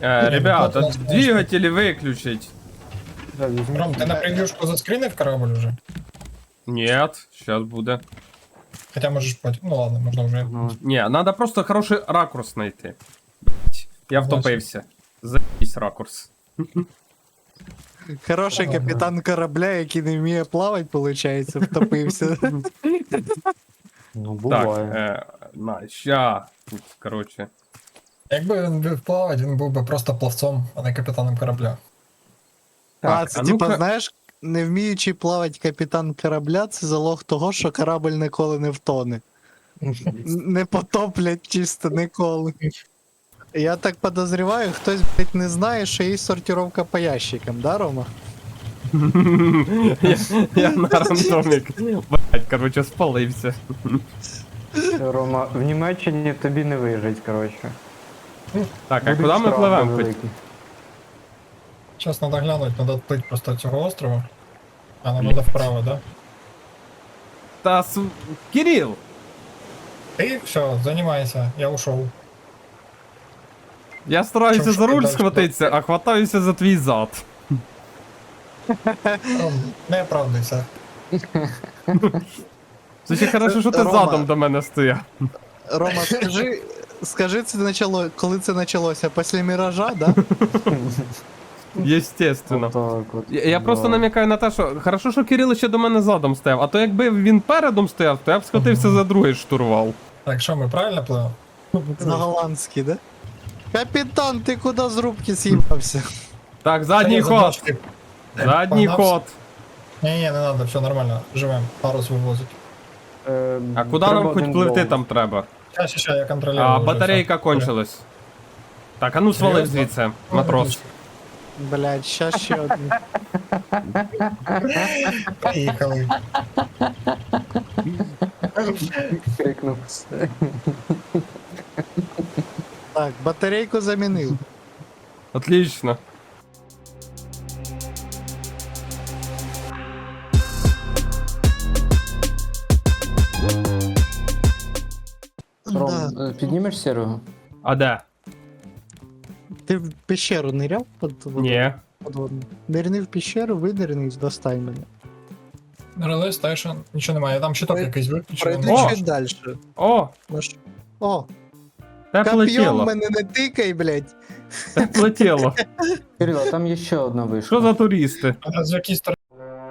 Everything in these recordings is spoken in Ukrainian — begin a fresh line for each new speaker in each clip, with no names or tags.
Ребята,
вот у нас
двигатели выключить.
Да, візьміть.
Ром, ти на превьюшку заскринив корабль уже?
Нет, сейчас буде.
Хотя можешь потім. Ну ладно, можна вже.
Ну,
Не, надо просто хороший ракурс найти. Блять, я втопився. Заебись ракурс.
Хороший капітан корабля, який не вміє плавати, виходить, втопився.
ну
Так,
буває.
на, ща. Тут, короче.
Якби він був плавати, він був би просто плавцом, а не капітаном корабля.
А, це
ну-ка.
типа, знаєш, не вміючи плавати капітан корабля, це залог того, що корабль ніколи не втоне. Не потоплять чисто ніколи. Я так подозріваю, хтось, блядь, не знає, що є сортировка по ящикам, да, Рома?
Я на рандомик. Блять, короче, спалився.
Рома, в Німеччині тобі не вижить, коротше.
Так, а
Будуть
куди ми
штрафи
пливемо?
великі.
Зараз треба глянути, треба плыть просто цього острова. А нам треба вправо, да?
Та Кирил!
Ти все, займайся, я ушов.
Я стараюся
Чим
за руль
дальше?
схватитися, а хватаюся за твій зад.
Ром, не оправдуйся.
Це ще хорошо, що ти
Рома.
задом до мене стояв.
Рома, скажи, це начало, коли це почалося? Після міража, да?
Єстественно.
Отак от.
Я просто
Да.
намікаю на те, що хорошо, що Кирил ще до мене задом стояв, а то якби він передом стояв, то я б схватився за другий штурвал.
Так, що ми правильно пливемо?
На голландський, да? Капітан, ти куди з рубки з'їбався?
Так, задній ход. Задній ход.
Ні, не треба, все нормально, живемо, парус вивозить.
А куди
Треба
нам хоч
один
пливти
болт.
там треба?
Щас, я контролюю.
А
вже
батарейка
все.
кончилась. Так, а ну свалив
Серйозно?
звідси, матрос.
Блядь, щас ще один.
Поїхали.
Крикнув.
Так, батарейку замінив.
Отлично.
Да.
Ром, піднімеш сірого?
А де?
Ти в пещеру ниряв
Ні.
подводну? Нирни в пещеру, видерни і достань мене.
Реле, стейшн, нічого немає, там щиток якийсь виключений.
Пройди
О!
чуть далі.
О,
О,
тепле
коп'єм
тіло.
мене не тикай, блядь.
Тепле тіло.
Кирило, а там є ще одна вишка.
Що за туристи?
А з якій сторони?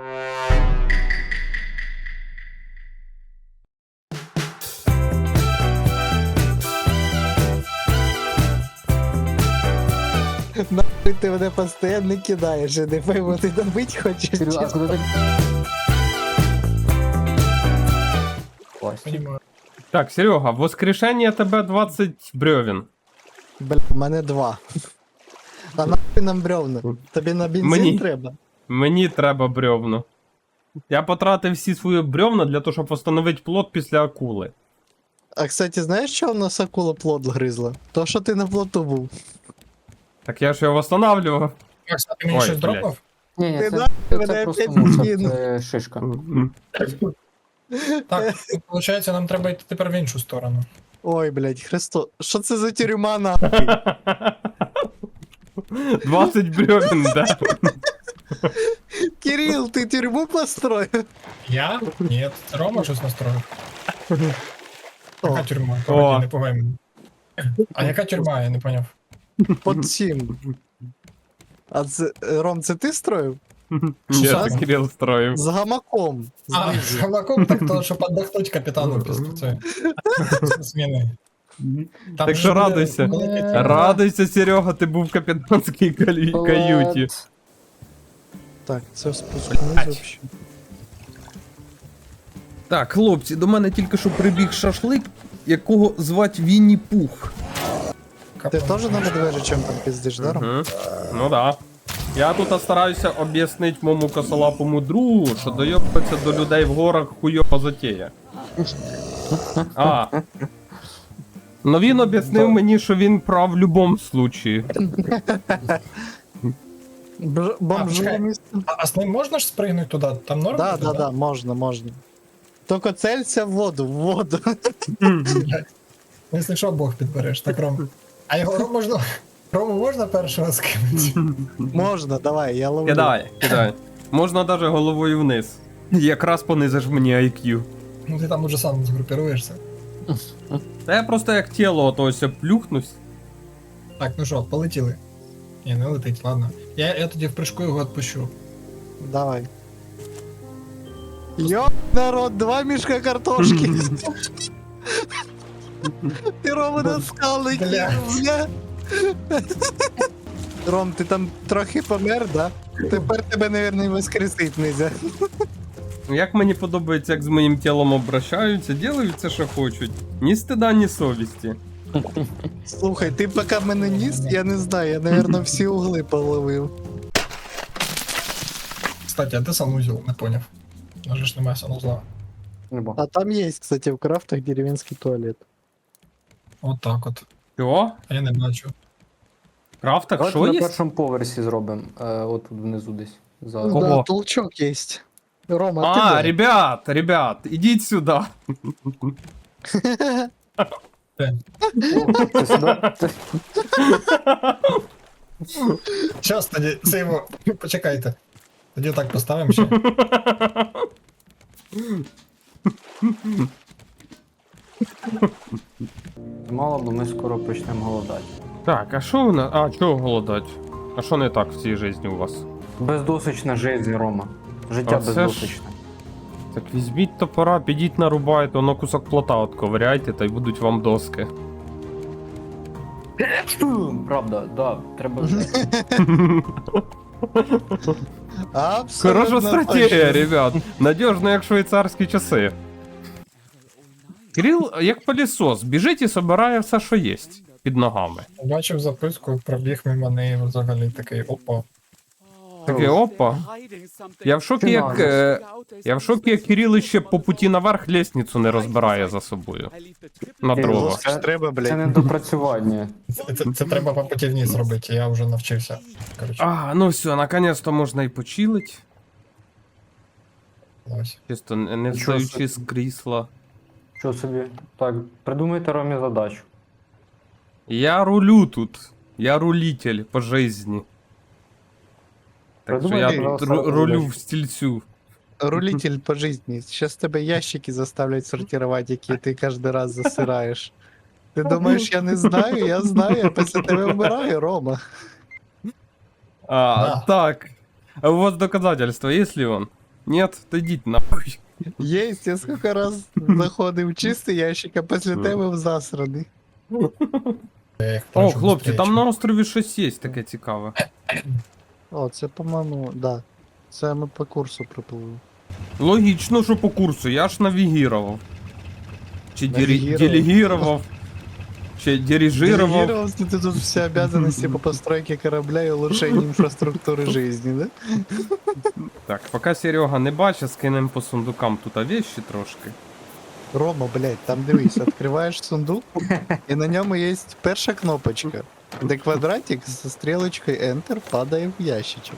Нахуй ти мене постійно кидаєш, я не пойму, ти добить хочеш?
Кирило, а
чи-
куди ти? Пластик.
Понімаю.
Так, Серега, воскрешення тебе 20 бревен.
Бля, в мене 2. А нахуй нам бревна? Тобі на бензин
Мені.
треба?
Мені треба бревно. Я потратив всі свої бревна для того, щоб встановити плот після акули.
А кстати, знаєш, що в нас акула плод гризла? То, що ти на плоту був.
Так я ж його восстанавлював.
Макс, а ти мені
Ой,
щось
блядь.
дропав?
Ні,
Ти
це,
нахуй
це
мене
просто
опять
мусор,
кинув.
це шишка.
Так, виходить, нам треба йти тепер в іншу сторону.
Ой, блядь, Христо, що це за тюрма нахуй?
20 бревен, да.
Кирил, ти тюрму построїв?
Я? Ні, це Рома щось настроїв. Яка
О,
тюрма?
О.
Погоди, не пугай мене. А яка тюрма, я не поняв.
под сім. А це, Ром, це ти строїв?
Ні,
Що?
це Кирил строїв.
З гамаком.
А, з гамаком, так то, щоб отдохнуть капітану після цієї зміни. Там
Так
же
що
буде
радуйся.
великий тюрма.
Радуйся, Серега, ти був в капітанській каюті.
Так, це спуск вниз вообще.
Так, хлопці, до мене тільки що прибіг шашлик, якого звать Вінні Пух.
Ти теж на медвежичем там пиздиш, да, Ром?
Мгм. Ну да. Я тут стараюся об'яснити моєму косолапому другу, що дойобатися до людей в горах хуйова затея. А. Ну він об'яснив мені, що він прав в будь-якому случаї.
Бомжу
чекай.
місце.
А з ним можна ж спригнути туди? Там норм?
Да,
буде,
да, да, можна, можна. Тільки целься в воду, в воду.
Якщо що, Бог підбереш, так Ром. А його Ром можна... Рому можна першого скинути?
Можна, давай, я ловлю.
Кидай, кидай. Можна навіть головою вниз. Якраз понизиш мені IQ.
Ну ти там уже сам згрупіруєшся.
Та я просто як тіло ото ось плюхнусь.
Так, ну що, полетіли. Ні, не летить, ладно. Я тоді в прыжку його відпущу.
Давай. Йоп, народ, 2 мішка картошки. Ти Рома на скали
Бля.
кинув, бля. Ром, ти там трохи помер, да? Тепер тебе, мабуть, і воскресить нельзя.
Як мені подобається, як з моїм тілом обращаються, ділають це, що хочуть. Ні стида, ні совісті.
Слухай, ти поки мене ніс, я не знаю, я, мабуть, всі угли половив.
Кстати, а де санузел? Не поняв. У нас же ж немає санузла.
Нема.
А там є, кстати, в крафтах деревенський туалет.
От так от.
Що?
А я не бачу.
В крафтах
Давайте
що
на
є?
першому поверсі зробимо. От тут внизу десь. За...
Кого?
Да, толчок є. Рома, а
А,
ти де?
ребят, ідіть сюди.
Це сюди?
Щас тоді, це його. Почекайте. Тоді так поставимо ще.
Мало, бо ми скоро почнемо голодати.
Так, а що у нас? А, чого голодать? А що не так в цій житті у вас?
Бездосична жизнь, Рома. Життя
А це ж-
бездосичне.
Так візьміть топора, підіть нарубайте, воно кусок плота отковиряйте, та й будуть вам доски.
Правда, да, треба.
Абсолютно
Хороша стратегія,
точно.
ребят. Надіжно, як швейцарські часи. Кирил, як пилісос, біжить і собирає все, що є під ногами.
Бачив записку, пробіг мимо неї взагалі такий опа.
Таке опа. Я в шокі, як. Я в шокі, як Кирил ще по путі наверх лестницю не розбирає за собою. На дрова.
Це ж треба,
Це
блядь.
не допрацювання.
Це треба по путі вниз робити, я вже навчився. Коротше,
А, ну все, наконец-то можна і почилить.
ось.
Чисто не
Нічого
встаючи з крісла.
Що собі? Так, придумайте Ромі задачу.
Я рулю тут. Я рулитель по жизни. Так що
Придумай,
я
пожалуйста,
рулю
задачу.
в стільцю.
Рулитель по жизни. Сейчас тебе ящики заставлять сортировать, які ти кожен раз засираєш. Ти думаєш, я не знаю? Я знаю, я після тебе вмираю, Рома.
А,
Да.
так. А у вас доказательства, есть ли он? Нет? То идите нахуй.
Єсть, я скільки раз заходив в чистий ящик, а після тебе в засраний.
Я їх
О,
бачу
хлопці,
зустрічу.
там на острові щось є таке цікаве.
О, це, по-моєму, да. Це ми по курсу припливли.
Логічно, що по курсу, я ж навігірував. Чи
Навігірував?
делегірував. Чи дирижировав.
Делегировал ты тут все обязанности по постройке корабля и улучшению инфраструктуры жизни, да?
Так, поки Серега не бачить, скинем по сундукам тут вещи трошки.
Рома, блядь, там дивись, открываешь сундук, и на нем есть перша кнопочка, де квадратик со стрелочкой Enter падає в ящичок.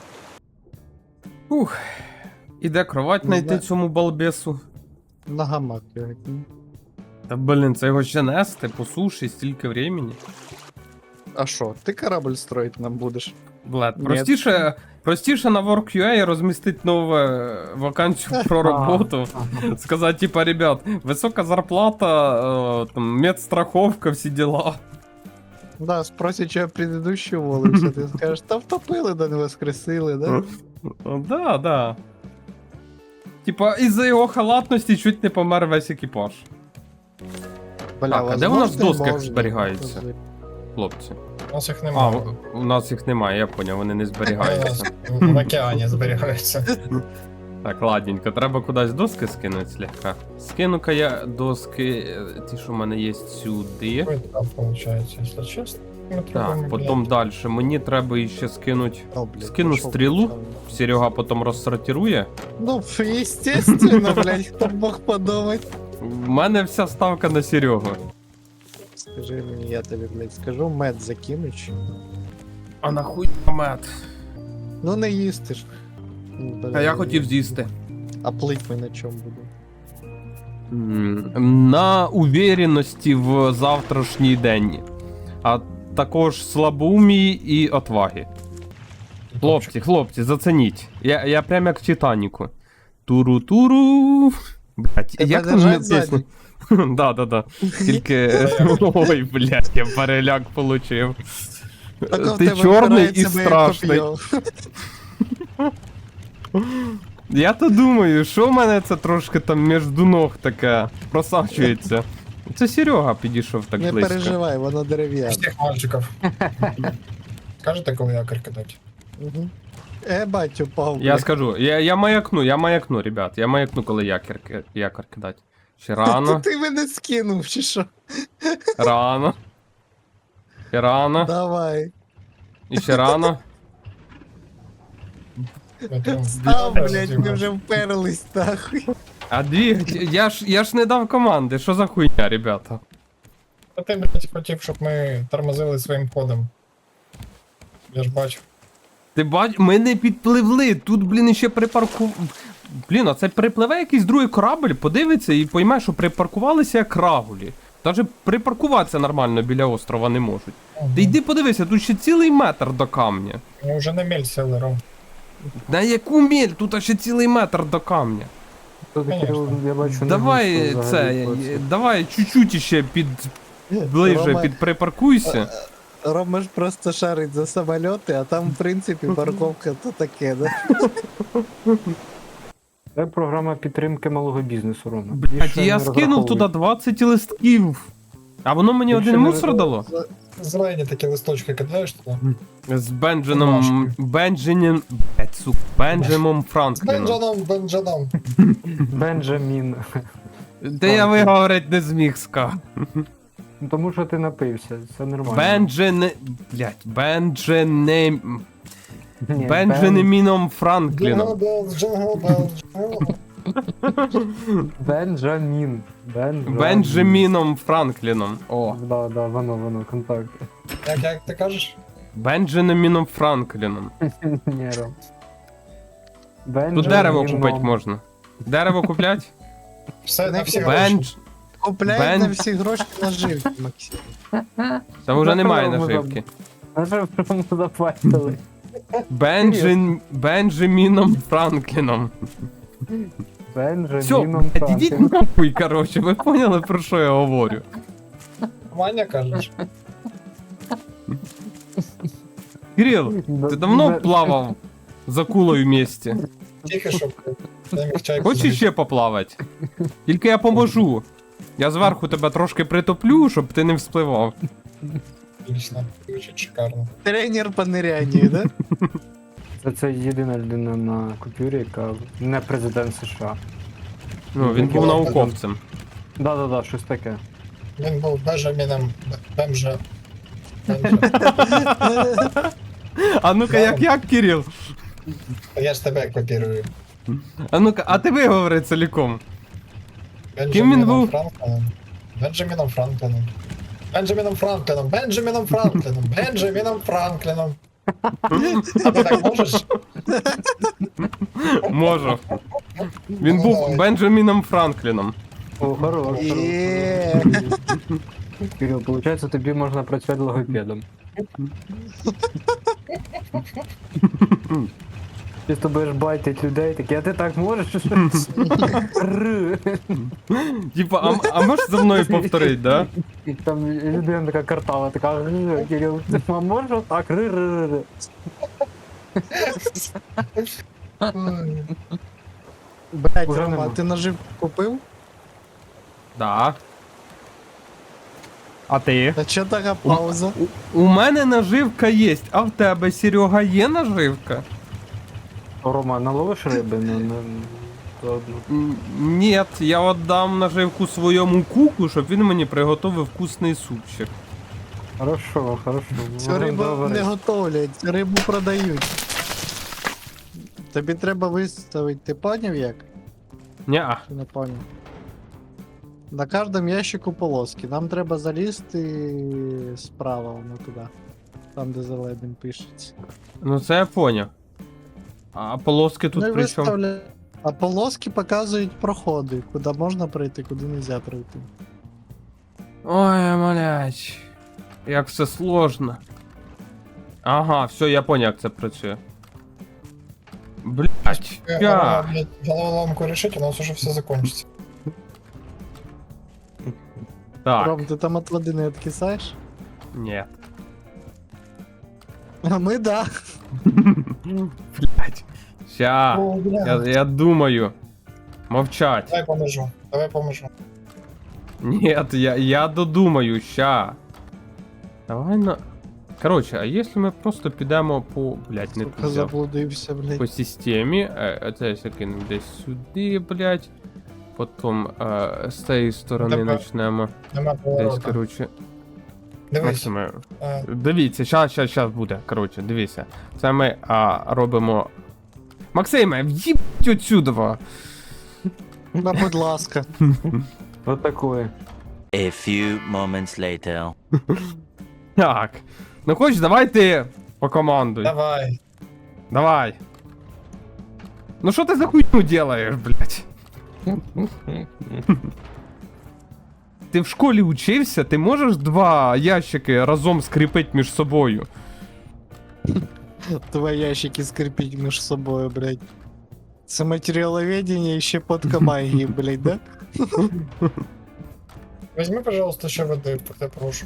Ух. Іде кровать
Не
знайти
знаю.
цьому балбесу.
На гамак його.
Та блін, це його ще нести по суші стільки времени.
А що, ти корабль строїть нам будеш?
Блед,
Ні.
простіше на Work.ua розмістити нову вакансію про роботу. Сказати, типа, ребят, висока зарплата, там, медстраховка, всі діла.
Да, спросять, що я предыдущий уволився, ти скажеш, та втопили, да не воскресили, да?
Да, да. Типа, із-за його халатності чуть не помер весь екіпаж.
Бля,
Так, а де у нас в
возможно,
досках
можна.
зберігаються? Хлопці.
У нас їх
А,
немає.
у нас їх немає, я поняв, вони не зберігаються.
В океані зберігаються.
Так, ладненько, треба кудись доски скинути слегка. Скину-ка я доски, ті, що в мене є сюди.
Ой, там виходить, якщо чесно. Ми
Так,
робимо,
потім далі. Мені треба ще скинути.
О, блядь,
Скину
пішов
стрілу.
там.
Серега потім розсортирує.
Ну, естественно, блядь, хто б мог подумати.
У мене вся ставка на Серегу.
Скажи мені, я тобі, блядь, скажу, мед закинуть.
А нахуй мед?
Ну не їсти ж. Ну,
А
блядь,
я хотів з'їсти.
А плить ми на чому будемо?
На уверенності в завтрашній день. А також слабоумії і отваги. Хлопці, зацініть. Я прям як в Титаніку. Туру-туру. Блять,
Тебе
як там
держать
пісня?
ззаді?
Да. Тільки. Ой, блять, я переляк получив.
Так в
Ти
тебе
чорний і
впирається моє
страшний.
коп'є.
Я то думаю, що в мене це трошки там між ног таке просачується. Це Серега підійшов так
Не
близько.
переживай, воно дерев'яне.
Всіх мальчиків. Скажете, коли якорь кидати?
Угу. Бать, упав.
Я
блядь.
скажу, я маякну, ребят. Я маякну, коли якор кидать. Ще
Та
рано,
ти мене скинув, чи що?
рано. Ще рано.
Давай.
І ще рано.
Став, блядь, ми вже вперлись, нахуй.
А я ж не дав команди, що за хуйня, ребята?
А ти, блядь, хотів, щоб ми тормозили своїм ходом. Я ж бачу.
Ти бач, ми не підпливли, тут, блін, ще припарку... Блін, а це припливе якийсь другий корабль, подивиться і пойме, що припаркувалися як рагулі. Даже припаркуватися нормально біля острова не можуть. Ти йди подивися, тут ще цілий метр до камня.
Ми вже на мель сели, Ром.
На яку міль? Тут ще цілий метр до камня.
Тут, Кирил, я бачу, не
Давай
густо взагалі
це, давай чуть-чуть ще ближче
Рома-
підприпаркуйся.
Рома ж просто шарить за самоліти, а там, в принципі, парковка то таке, да?
Це програма підтримки малого бізнесу, Рома.
Блять,
Більше
я
не
скинув туди
розраховуй.
20 листків. А воно мені
Більше
один
не
мусор дало?
Зелені такі листочки кидаєш туди.
З Бенджином. Бенджамом
З
Франкліном.
Бенджаном.
Бенджамін.
Де я виговорити не зміг ска.
Ну, тому що ти напився, це нормально.
Бендженем.
Ні,
Бенджаміном Франкліном.
Джингл белл, джингл белл, джингл.
Бенджамін.
Бенджаміном Франкліном. О.
Да, воно, контакт.
Як ти кажеш?
Бенджаміном Франкліном.
Ні, Ром.
Тут дерево купити можна. Дерево куплять?
Все на всі
Бендж.
гроші.
Купляють
Бен-
на всі гроші наживки, Максим.
Там вже немає
Дерево
наживки.
Нажив прямо запастили.
Бенджаміном Франкліном. Все,
Бенджаміном
ідіть нахуй, короче, ви поняли, про що я говорю?
Ваня кажеш?
Кирил, ти давно плавав з акулою в місті?
Тихо, щоб я міг чайку
Хочеш
зробити.
ще поплавати? Тільки я поможу. Я зверху тебе трошки притоплю, щоб ти не вспливав.
Отлично. Звучить шикарно.
Тренер по нирянню, да?
Це єдина людина на купюрі, яка не президент США.
Ну, він був науковцем.
Да, щось таке.
Він був Бенджаміном Бемжа.
А ну-ка, як, Кирил?
Я ж тебе копірую.
А ну-ка, а ти виговори ціліком.
Бенджаміном
він був?
Франкліном. Бенджаміном Франкліном. Бенджаміном Франкліном. Бенджаміном Франкліном. Бенджаміном Франкліном. А ти так можеш?
Можу. Він був Бенджаміном Франкліном.
О, хорош.
Є.
Кирил, виходить, тобі можна працювати логопедом. Ти з тобою байтить людей, такі, а ти так можеш? Р.
Типа, а можеш за мною повторити, да?
І там людина така картава, така, Кирил, ти можеш так? Р.
Блять,
Уже
Рома,
нема.
ти наживку купив?
Да. А ти?
А чо така пауза?
У мене наживка є, а в тебе, Серега, є наживка?
Рома, наловиш риби?
Ні, я віддам наживку своєму куку, щоб він мені приготовив вкусний супчик.
Хорошо.
Цю рибу не готовлять, рибу продають. Тобі треба виставити, ти поняв як?
Ня.
Чи не поняв? На кожному ящику полоски. Нам треба залізти справа, воно туди. Там, де зеленим пишеться.
Ну це я поняв. А полоски тут
Ну і
при чому?
виставля... А полоски показують проходи, куди можна пройти, куди не можна пройти.
Ой, малять. Як все сложно. Ага, все, я понял, як це працює. Блять,
Рома, блядь, головоломку решить, у нас уже все закончится.
Так,
Ром, ти там от води не відкисаєш?
ні.
А ми да.
Блять. Ща,
О, бля.
я думаю. Мовчать.
Давай поможу.
Нет, я додумаю, ща. Давай на... Короче, а если ми просто підемо по... Блять, не
Сука,
туди.
заблудився, блядь.
По системі. Це закинемо десь сюди, блять. Потім з цієї сторони
Тебе.
почнемо.
Нема
Десь,
поворота.
короче.
Дивись.
Максиме,
А,
дивіться, щас буде. Коротше, дивіться. Це ми робимо. Максиме, в'їбать отсюда!
Ну, будь ласка.
Вот такое.
A few moments later.
Так. Ну хоч давай ти покомандуй.
Давай.
Давай. Ну що ти за хуйню делаєш, блядь? Ти в школі учився? Ти можеш два ящики разом скріпити між собою?
Два ящики скріпіть між собою, блядь. Це матеріаловедення і щепотка магії, блядь, да?
Возьми, пожалуйста, ще води, я прошу.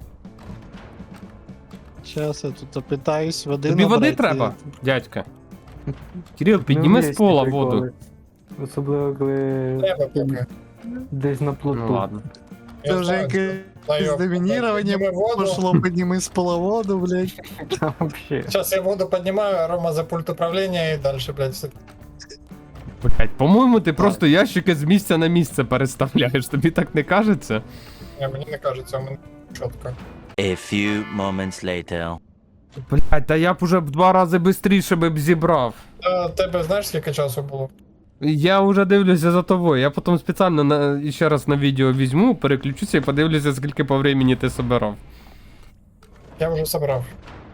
Щас я тут опитаюсь, води
Тобі води
набрати.
треба, дядька? Кирил, підніми
Ну,
з пола
є приколи.
воду.
Особливо, коли
Треба поки.
десь на плоту.
Ну ладно.
Це вже якесь домінірування пошло, підніми з пола воду, блядь.
Там вообще.
Сейчас я воду поднимаю, а Рома за пульт управления и дальше, блядь, все.
Блять, по-моєму, ти просто ящики з місця на місце переставляєш, тобі так не кажеться?
Мені не кажется, у мене чітко.
A few moments later.
Блять, та я б уже в 2 рази швидше б зібрав.
А тебе знаєш, скільки часу було?
Я вже дивлюся за тобою, я потім спеціально ще раз на відео візьму, переключуся і подивлюся, скільки по времени ти собирав.
Я вже собрав.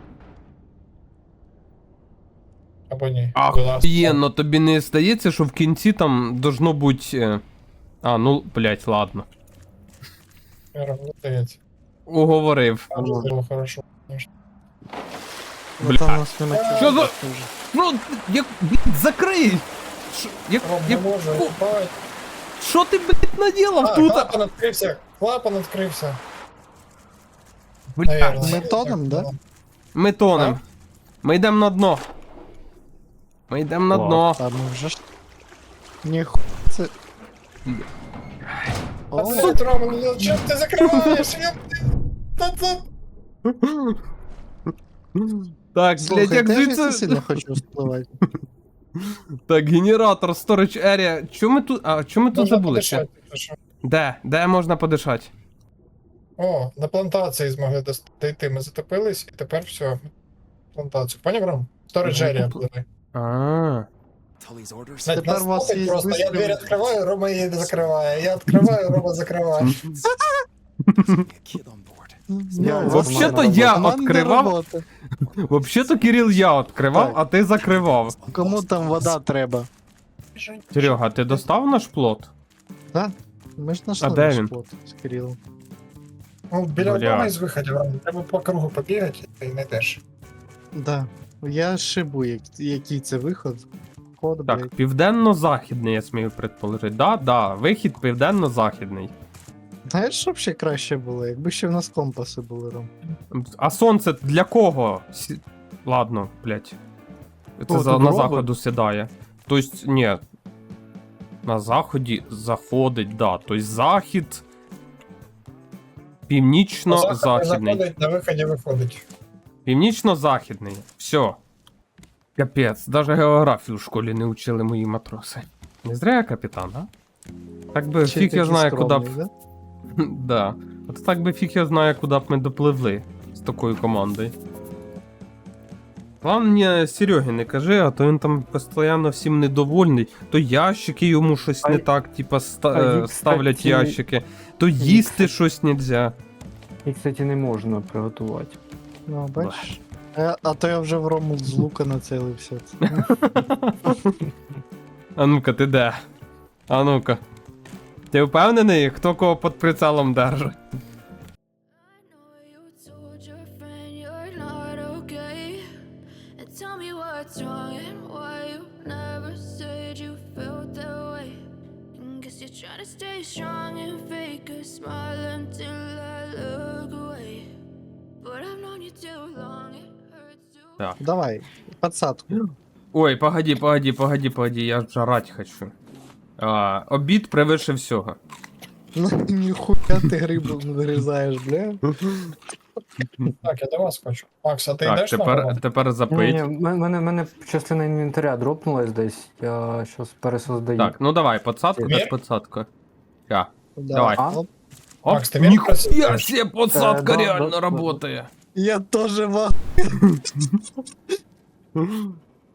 Або ні. Будь ласка.
Ахуєнно, тобі не здається, що в кінці там должно бути... ну, блять, ладно.
Я роблю, здається.
Уговорив.
Там же було хорошо. конечно.
Бля.
Там у нас нема чого.
Що за- Ну, як, блядь, закрий!
Ром, не можу, бать.
Що ти, блядь, наділав тут?
Клапан відкрився, клапан відкрився.
Блядь,
Наверно.
Ми тонем, да?
ми тонем. Ми йдемо на дно. Ми йдемо на дно.
Та ми вже ж... Ніхуя це...
А
О,
блядь, Рома, ну чим ти закриваєш?
Так,
слухай,
блядь, як
теж я
звідси...
сильно хочу спливати.
Так, генератор, storage area. Чому ми тут... чому ми тут забулися? Де можна подишати?
О, на плантації змогли дійти. Ми затопились і тепер все. Плантацію. Поняв, Ром? Storage area пливи. Блядь,
Тепер
нас
у вас
слухать
є
просто. Я
висновок.
двері відкриваю, Рома її не закриває. Я відкриваю, Рома закриває.
Я-
Ну,
Вообще-то
Команда
я
команда
відкривав,
роботи.
вообще-то, Кирил, я відкривав,
Так.
а ти закривав.
Кому там вода треба?
Серега, ти достав наш плот?
Да? Ми ж знайшли
А де
наш
він?
плот з Кирилом.
Ну, біля
Бля.
одного із виходів, Рома. Треба по кругу побігати і знайдеш.
Да. Я шибу, який це виход. Код,
Так,
блядь.
південно-західний, я смію предположити. Да, вихід південно-західний.
Знаєш, що б ще краще було, якби ще в нас компаси були, Ром?
А сонце для кого? Ладно, блять. Це
О, тут
на
робот?
заходу сідає. Тобто, ні. На заході заходить, да. Тобто захід. Північно-західний.
Заходить, на виході виходить.
Північно-західний. Все. Капець, даже географію в школі не учили мої матроси. Не зря я капітан, а? Так би
Ще
фіг я
такий
знаю, куди б.
скромний, да?
Да. От так би фіг я знаю, куди б ми допливли з такою командою. Главное, Сереги не кажи, а то він там постійно всім недовольний. То ящики йому щось
А
не
й-
так, типа,
а їх,
ставлять
кстати,
ящики, то їсти щось нельзя.
І, кстати, не можна приготувати.
Ну, бачиш. А то я вже в Рому з лука нацелився.
А ну-ка, ти де? А ну-ка. Ти впевнений, хто кого під прицелом держить?
I know you told tell me what's wrong and why you never said you felt that way? And guess you're trying to stay strong and fake a smile until I look away. But I've known you too long, it hurts to
Так.
Давай, подсадку.
Ой, погоди, я жрать хочу. Обід превише всього.
Ну, ніхуя ти грибу нарізаєш, бля.
Так, я до вас хочу. Макс, а ти
Так,
йдеш на роботу?
тепер
Ні,
запить.
ні, мене частина інвентаря дропнулась десь. Я щось пересоздаю.
Так, ну давай, подсадку
Мір?
так подсадку. Я.
Да.
Давай.
А?
Оп.
Оп,
Макс, ти мені
ніхуя
просиш?
себе, подсадка
Да,
реально
да, да.
работає.
Я тоже